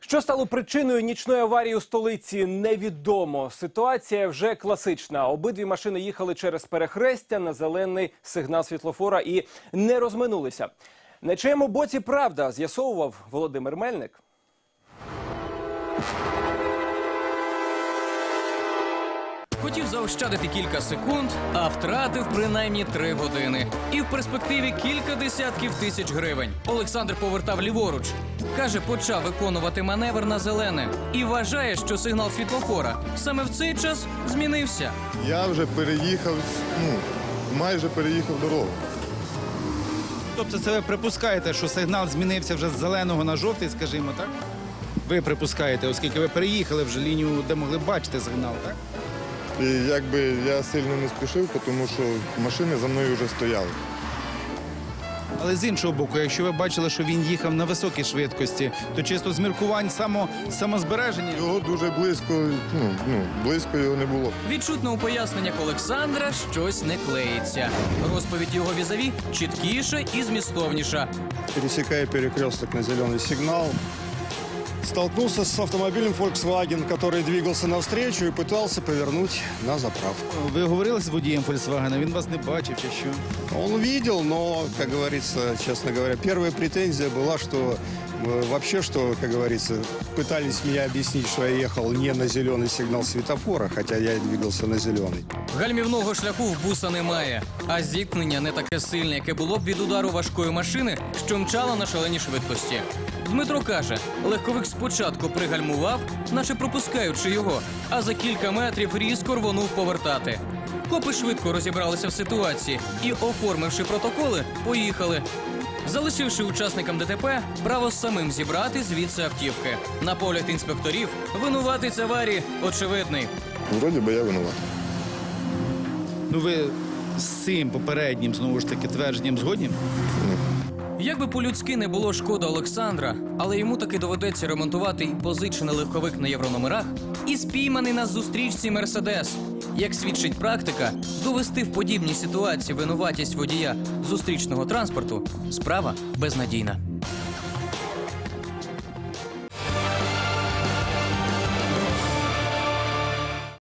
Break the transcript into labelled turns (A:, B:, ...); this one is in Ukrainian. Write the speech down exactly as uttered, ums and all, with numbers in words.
A: Що стало причиною нічної аварії у столиці, невідомо. Ситуація вже класична. Обидві машини їхали через перехрестя на зелений сигнал світлофора і не розминулися. На чиєму боці правда, з'ясовував Володимир Мельник.
B: Хотів заощадити кілька секунд, а втратив принаймні три години. І в перспективі кілька десятків тисяч гривень. Олександр повертав ліворуч. Каже, почав виконувати маневр на зелене. І вважає, що сигнал світлофора саме в цей час змінився.
C: Я вже переїхав, ну, майже переїхав дорогу.
D: Тобто це ви припускаєте, що сигнал змінився вже з зеленого на жовтий, скажімо, так? Ви припускаєте, оскільки ви переїхали вже лінію, де могли бачити сигнал, так?
C: І якби я сильно не спішив, тому що машини за мною вже стояли.
D: Але з іншого боку, якщо ви бачили, що він їхав на високій швидкості, то чисто з міркувань само, самозбереження...
C: Його дуже близько, ну, ну, близько його не було.
B: Відчутно у поясненнях Олександра щось не клеїться. Розповідь його візаві чіткіша і змістовніша.
E: Пересекая перекресток на зеленый сигнал, столкнулся с автомобилем Volkswagen, который двигался навстречу и пытался повернуть на заправку.
D: Ви говорили з водієм Volkswagen, він вас не бачив чи що?
E: Он видел, но, как говорится, честно говоря, первая претензия была, что э, вообще, что, как говорится, пытались меня объяснить, что я ехал не на зеленый сигнал светофора, хотя я и двигался на зеленый.
B: Гальмівного шляху в буса немає, а зіткнення не таке сильне, яке було б від удару важкої машини, що мчала на шаленій швидкості. Дмитро каже, легковик спочатку пригальмував, наче пропускаючи його, а за кілька метрів різко рвонув повертати. Копи швидко розібралися в ситуації і, оформивши протоколи, поїхали. Залишивши учасникам ДТП право самим зібрати звідси автівки. На погляд інспекторів, винуватець аварії очевидний.
C: Вроді би я винуват.
D: Ну ви з цим попереднім, знову ж таки, твердженням згодні?
B: Як би по-людськи не було шкода Олександра, але йому таки доведеться ремонтувати і позичений легковик на єврономерах, і спійманий на зустрічці Мерседес. Як свідчить практика, довести в подібній ситуації винуватість водія зустрічного транспорту – справа безнадійна.